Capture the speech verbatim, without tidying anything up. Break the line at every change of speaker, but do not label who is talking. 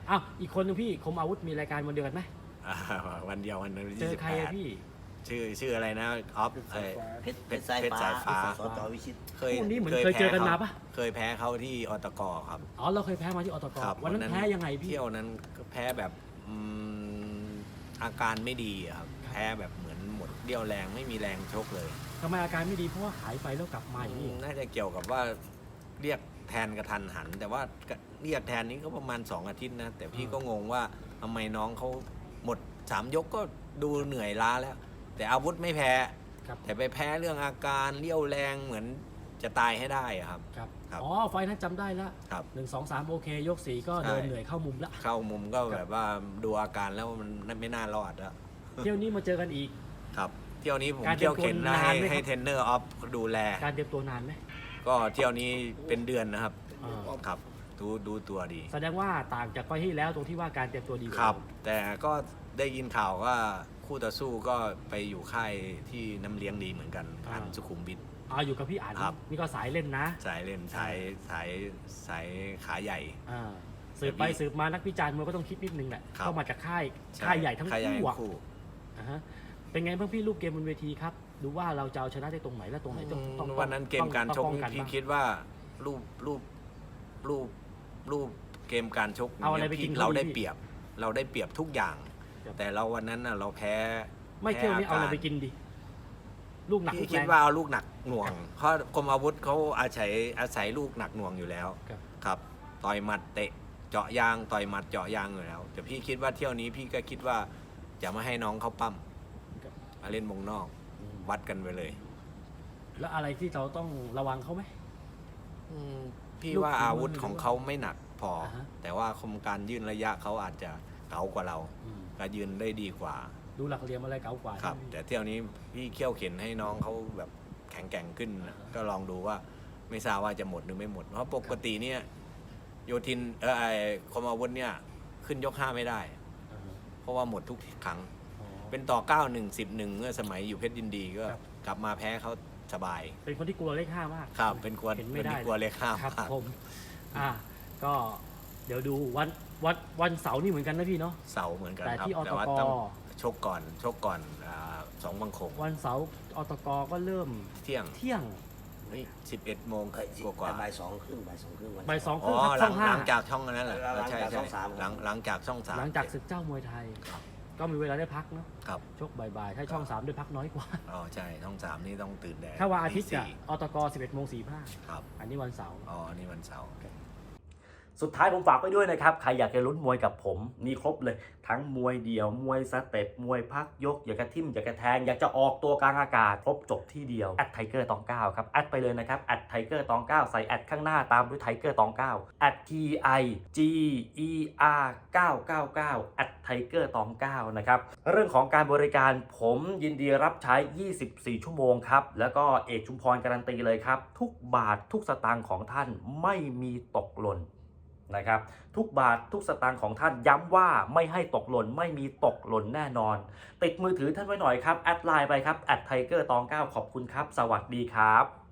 อ้าวอีกคนนึงพี่คมอาวุธมีรายการวันเดียวกันไหม
อ่าวันเดียววันนั้น
เจ
ยี่
อ
สิบ
ใคร
แป
อะ
ด
พี่
ชื่อชื่ออะไรนะออฟเอ่อ
เพชรเพชรสาย
เพชร
ฟ้า
สายฟ้า
สจวิชิต
เคย
คู่นี้เหมือนเคยเจอกันมาปะ
เคยแพ้เขาที่อตกครับ
อ๋อเราเคยแพ้มาที่อตก
ครับ
วันนั้นแพ้ยังไงพี่
เที่ยวนั้นก็แพ้แบบอืมอาการไม่ดีอะครับแพ้แบบเหมือนหมดเรี่ยวแรงไม่มีแรงชกเลย
ทำไมอาการไม่ดีเพราะว่าหายไปแล้วกลับมาอย่างนี้
น่าจะเกี่ยวกับว่าเรียกแทนกระทันหัน แต่ว่าเรียกแทนนี้ก็ประมาณสองอาทิตย์นะแต่พี่ก็งงว่าทำไมน้องเขาหมดสามยกก็ดูเหนื่อยล้าแล้ว แต่อาวุธไม่แพ้
ครับ
แต่ไปแพ้เรื่องอาการเรี่ยวแรงเหมือนจะตายให้ได้อะครับ
ครับ
ครับ
อ๋อไฟล์นั้นจำได้ละ
ครับ
หนึ่งสองสามโอเค ยกสี่ก็
ใช่
เดินเหนื่อยเข้ามุมละ
เข้ามุมก็แบบว่าดูอาการแล้วมันไม่น่ารอดแล้ว
เที่ยวนี้มาเจอกันอีก
ครับ เที่ยวนี้ผม
การเตรี
เที่
ย
ย
ม
วเข็น
ตัว
นะ
นาน
ให้
ไหมครับ
ให้เทรนเนอร์ออฟดูแล
การเตรียมตัวนานไหม
ก็เที่ยวนี้เป็นเดือนนะครับ
อ่า
ครับดูดูตัวดี
แสดงว่าต่างจากไฟล์ที่แล้วตรงที่ว่าการเตรียมตัวดีกว่า
ครับ แต่ก็ได้ยินข่าวว่าคู่ต่อสู้ก็ไปอยู่ค่ายที่น้ำเลี้ยงดีเหมือนกันอันสุขุมวิท
อ่าอยู่กับพี่อ่าน
ครับ
นี่ก็สายเล่นนะ
สายเล่นสายสายสายขาใหญ่
อ่าสืบไปสืบมานักวิจารณ์มวยก็ต้องคิดนิดนึงแหละ
ครับ
เข้ามาจากค่าย
ช่
ค่ายใหญ่ทั้ง
ค่ายใหญ่
คู่อะ
คู่
อ่าฮะเป็นไงบ้างพี่รูปเกมบนเวทีครับดูว่าเราจะเอาชนะได้ตรงไหนและตรงไหนต้องต้อง
วันนั้นเกมการชก
ต้องป้องกัน
พี่
บ้าง
คิดว่ารูปรูปรูปรูปเกมการชก
เอาอะไรไปกิน
พี่
เขา
เราได้
ดีพี่
เปรียบ เราได้เปรียบทุกอย่าง
ครับ
แต่เราวันนั้นน่ะเราแพ้
ไม่เที่ยวนี้เอาอะไรไป
แพ้
กินดี ลูกหนักลู
พี่
ก
คิ
แร
ด
ง
ว่าเอาลูกหนักหน่วง เพราะกรมอาวุธเขาอาศัยอาศัยลูกหนักหน่วงอยู่แล้ว
ครับ
ครับต่อยหมัดเตะเจาะยางต่อยหมัดเจาะยางอยู่แล้ว แต่พี่คิดว่าเที่ยวนี้พี่ก็คิดว่าจะไม่ให้น้องเขาปั้ม
ครับ
มาเล่นวงนอก
อืม
วัดกันไปเลย
แล้วอะไรที่เราต้องระวังเขาไหม
อืมพี่
ลูก
ว่า
ฝีมือ
อาวุธของเขาไม่หนักพอ
อ่าฮะ
แต่ว่าคมการยืนระยะเขาอาจจะเก๋ากว่าเรา
อืม
ก็ยืนได้ดีกว่า
ดูหลักเหลี่ยมอะไรเก๋ากว่า
ครับ
ใช่ไหม
แต่เที่ยวนี้พี่เขี่ยวเข็นให้น้องเขาแบบแข็งแกร่งขึ้นนะก็ลองดูว่าไม่ทราบว่าจะหมดหรือไม่หมด เพราะปกติเนี่ยโยทินเออไอคมอาวุธเนี่ยขึ้นยกห้าไม่ได้
อ่าฮะ
เพราะว่าหมดทุกครั้ง
อ๋อ
เป็นต่อเก้าหนึ่งสิบหนึ่งเมื่อสมัยอยู่เพชรยินดีก็
ครับ
กลับมาแพ้เขาสบาย
เป็นคนที่กลัวเลขห้ามาก
ครับเป็นกลัว
เห็น
เป็
ไม่
น
ได้
กลัวเลขห้า
ครับ
มาก
ผม อ่า ก็เดี๋ยวดูวันวันวันเสาร์นี่เหมือนกันนะพี่เนาะ
เสาเหมือนกัน
แต่
ครับ
ที่อตก
แต่ว่าต้องชกก่อนชกก่อนอ่าสองบังคง
วันเสาร์อตกก็เริ่ม
เที่ยง
เที่ยง
สิบเอ็ดโมง
เอ้ย
กว่ากว่า
บ่ายสองครึ่งบ่ายสองครึ่งวัน
บ่ายสองค
อ๋
รึ่
อง
ครับ
ห
ช่องห้า
ลังหลังจากช่องนั้นแหละ
หลัง
ใช่
จาก
ใช่
ช่องสาม
หลังหลังจากช่องสาม
หลังจากศึกเจ้ามวยไทย
ครับ
ก็มีเวลาได้พักเนาะ
ครับ
ชกบ่ายๆถ้าช่องสามได้พักน้อยกว่า
อ๋อใช่ช่องสามนี่ต้องตื่นแดด
ถ้าวันอาทิตย์
ตี
อะ
สี่
อตกสิบเอ็ดโมงสี่ห้า
ครับ
อันนี้วันเสาร์
อ๋อนี่วันเสาร์
สุดท้ายผมฝากไว้ด้วยนะครับ ใครอยากจะลุ้นมวยกับผมมีครบเลย ทั้งมวยเดี่ยว มวยสเต็ป มวยพักยก อยากจะทิ่ม อยากจะแทง อยากจะออกตัวกลางอากาศ ครบจบที่เดียว แอดไทเกอร์ตองเก้าครับ แอดไปเลยนะครับ แอดไทเกอร์ตองเก้าใส่แอดข้างหน้าตามด้วยไทเกอร์ตองเก้าแอด T I G E R เก้าเก้าเก้าแอดไทเกอร์ตองเก้านะครับ เรื่องของการบริการผมยินดีรับใช้ ยี่สิบสี่ ชั่วโมงครับ แล้วก็เอกชุมพรการันตีเลยครับ ทุกบาททุกสตางค์ของท่านไม่มีตกหล่น นะครับทุกบาททุกสตางค์ของท่านย้ำว่าไม่ให้ตกหล่นไม่มีตกหล่นแน่นอน ติดมือถือท่านไว้หน่อยครับแอดไลน์ไปครับแอดไทเกอร์ตองเก้าขอบคุณครับสวัสดีครับ